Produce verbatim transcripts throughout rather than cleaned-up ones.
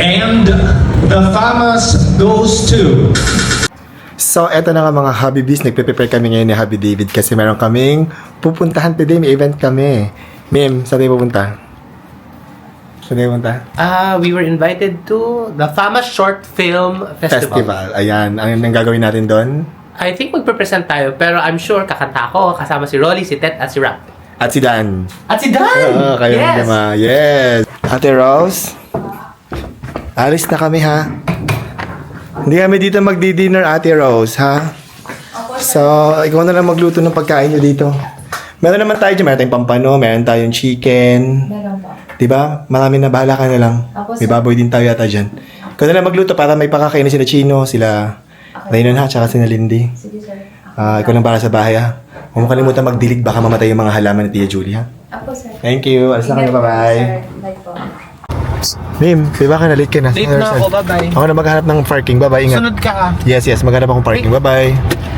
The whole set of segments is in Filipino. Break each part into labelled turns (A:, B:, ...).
A: And the famous goes to...
B: So, eto na nga mga Habibis. Nagpe-prepare kami ngayon ni Habi David kasi meron kaming pupuntahan today. May event kami. Ma'am, saan tayo pupunta? Saan tayo pupunta?
C: Ah, we were invited to the famous short film festival.
B: Festival. Ayan. Ang, ang gagawin natin doon?
C: I think magpe-present tayo, pero I'm sure kakanta ako kasama si Rolly, si Tet, at si Rap.
B: At si Dan.
C: At si Dan!
B: Oo, kayo
C: yes!
B: naman. Yes! Ate Rose, alis na kami ha. Hindi kami dito magdi-dinner, Ate Rose, ha? So, ikaw na lang magluto ng pagkain nyo dito. Meron naman tayo dyan. Meron tayong pampano, meron tayong chicken.
D: Meron po.
B: Diba? Marami na, bahala ka na lang.
D: Ako,
B: May
D: sir.
B: baboy din tayo yata dyan. Ikaw na lang magluto para may pakakain na sila Chino, sila Raynon ha, tsaka sila Lindy.
D: Sige, sir.
B: Ah, ikaw lang para sa bahay ha. Huwag mo kalimutan magdilig, baka mamatay yung mga halaman ni Tia Julie ha.
D: Ako, sir.
B: Thank you. Alas na kami, bye-bye.
D: Sir, bye po.
B: Mim, diba ka na late ka na?
E: Late na ako, bye-bye.
B: Ako na maghanap ng parking, bye-bye, ingat.
E: Sunod ka ah.
B: Yes, yes, maghanap akong parking, bye-bye.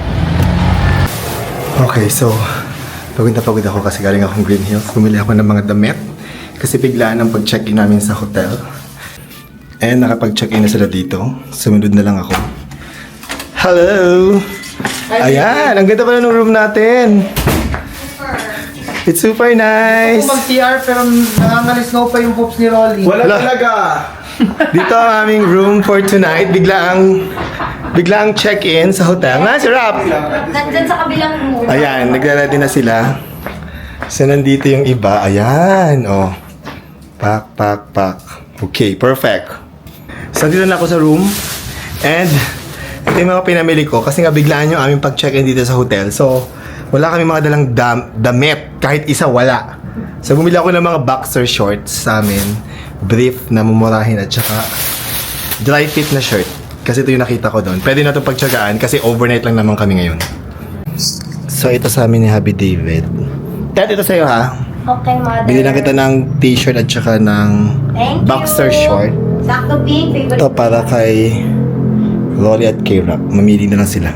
B: Okay, so, pagod na pagod ako kasi galing akong Green Hills. Bumili ako ng mga damit kasi biglaan ang pag-check-in namin sa hotel. And nakapag-check-in na sila dito. Sumunod na lang ako. Hello! Ayan, ang ganda pala ng room natin. It's super nice.
E: Mag-C R pero nangangalis-snow pa yung boobs ni Rolly.
B: Wala talaga. Dito ang aming room for tonight. Biglaang biglaang check-in sa hotel. Na, si Rap.
D: Nandyan sa kabilang room.
B: Ayan, nagre-ready na sila. So, nandito yung iba. Ayan, oh. Pak, pak, pak. Okay, perfect. So, dito na ako sa room. And, ito yung mga pinamili ko. Kasi nga, biglaan yung aming pag-check-in dito sa hotel. So, wala kami mga dalang dam- damit. Kahit isa, wala. So, bumili ako ng mga boxer shorts sa amin. Brief na mumurahin at saka dry fit na shirt. Kasi ito yung nakita ko doon. Pwede na itong pagtsagaan kasi overnight lang naman kami ngayon. So, ito sa amin ni Habi David. Dad, ito sa'yo ha.
D: Okay, mother.
B: Bili lang kita ng t-shirt at saka ng
D: Thank
B: boxer
D: you.
B: short.
D: Sakto pink, favorite.
B: Ito para kay Rolly at kay Rap. Mamili na lang sila.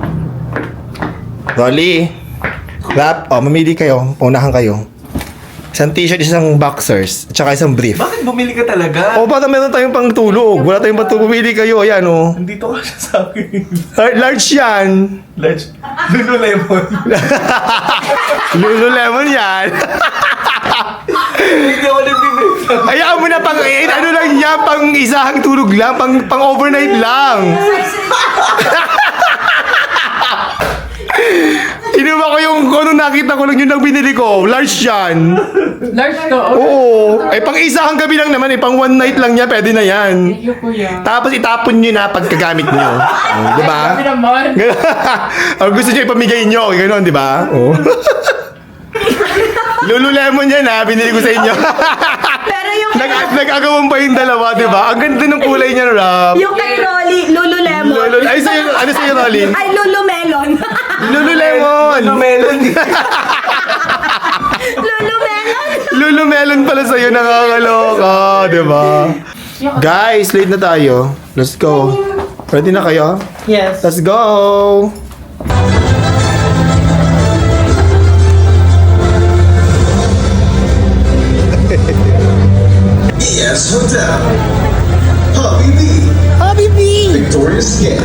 B: Rolly! Rap, oh, mamili kayo. Unahan kayo. Isang t-shirt, isang boxers, at saka isang brief.
E: Bakit bumili ka talaga?
B: O, baka meron tayong pang tulog. Wala tayong pang pumili kayo. Ayan, oh.
E: Nandito ka siya sa akin.
B: Lar- Large yan.
E: Large. Lululemon.
B: Lululemon yan.
E: Hindi ako nagbibigay.
B: Hayaan mo na pang, eh, ano lang yan, pang isahang tulog lang, pang, pang overnight lang. Inuwa ko yung kung ano nakita ko lang yun ang binili ko. Large yan.
C: Large to.
B: Oo. Eh, pang isahang gabi lang naman eh. Pang one night lang niya, pwede na yan.
C: Thank you, kuya.
B: Tapos itapon nyo na pagkagamit nyo. Oh, di ba?
C: Kami naman.
B: O gusto nyo ipamigay nyo. Ganon, di ba? Oh. Lululemon yan ha. Binili ko sa inyo.
D: Pero yung,
B: Nag nag-agawang pa yung dalawa, di ba? Ang ganda ng kulay niya, Rob.
D: yung kay Rolly, Lululemon.
B: Lulu, ay, sa'yo, ano sa'yo, Rolly?
D: Ay, Lulumelon.
B: Lululemon!
E: Melon.
D: Lulumelon.
B: Lulumelon pala sa'yo, nakakaloka, di ba? Guys, late na tayo. Let's go. Ready na kayo?
C: Yes.
B: Let's go!
F: E S Hotel. Hobby B.
B: Happy B!
F: Victoria's Skin.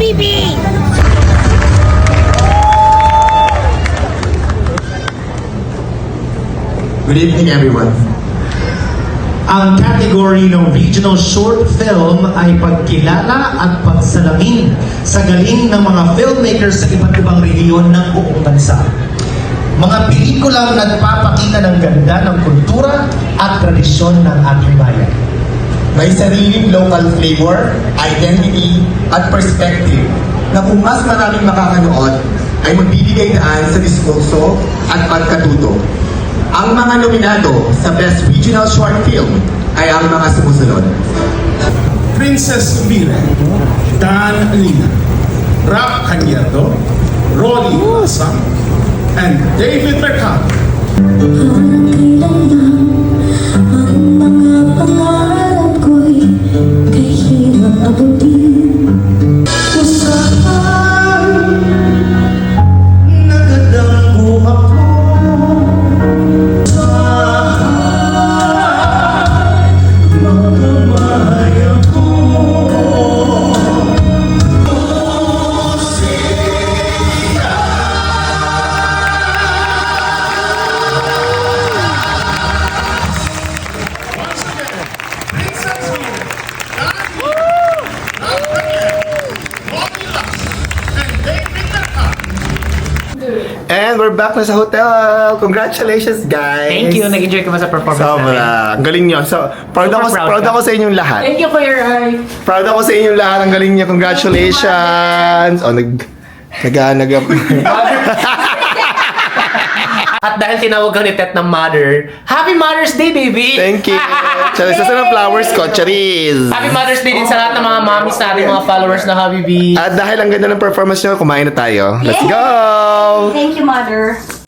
B: Good evening, everyone.
A: Ang category ng regional short film ay pagkilala at pagsalamin sa galing ng mga filmmakers sa iba't ibang rehiyon ng buong bansa. Mga pelikulang nagpapakita ng ganda ng kultura at tradisyon ng ating bayan.
B: May sariling local flavor, identity, at perspective na kung mas maraming makakanood ay magbibigay daan sa diskurso at pagkatuto. Ang mga nominado sa Best Regional Short Film ay ang mga sumusunod.
G: Princess Mira, Dan Lina, Rap Cañedo, Rolly Masa, and David Mercado.
H: Ang mga pangarap ko'y kahirap abutin.
A: Saan nagdadanggo ako? Saan magkamayan
B: And we're back na sa hotel. Congratulations, guys.
C: Thank you. Nag-enjoy ka ba sa performance namin?
B: Sobra. Ang galing nyo. So, proud
C: Super
B: ako,
C: proud
B: proud
C: ka.
B: ako sa inyong lahat.
C: Thank you, Kuya Rai.
B: Proud ako sa inyong lahat. Ang galing niya. Congratulations. Oh, nag... Nag-nag...
C: At dahil tinawag ka ni Tet ng mother, Happy Mother's Day, baby!
B: Thank you. Charis, nasa ng flowers ko. Charis.
C: Happy Mother's Day din sa lahat ng mga mommies natin, mga followers na Habibi.
B: At dahil ang ganda ng performance nyo, kumain na tayo. Let's go!
D: Thank you, mother.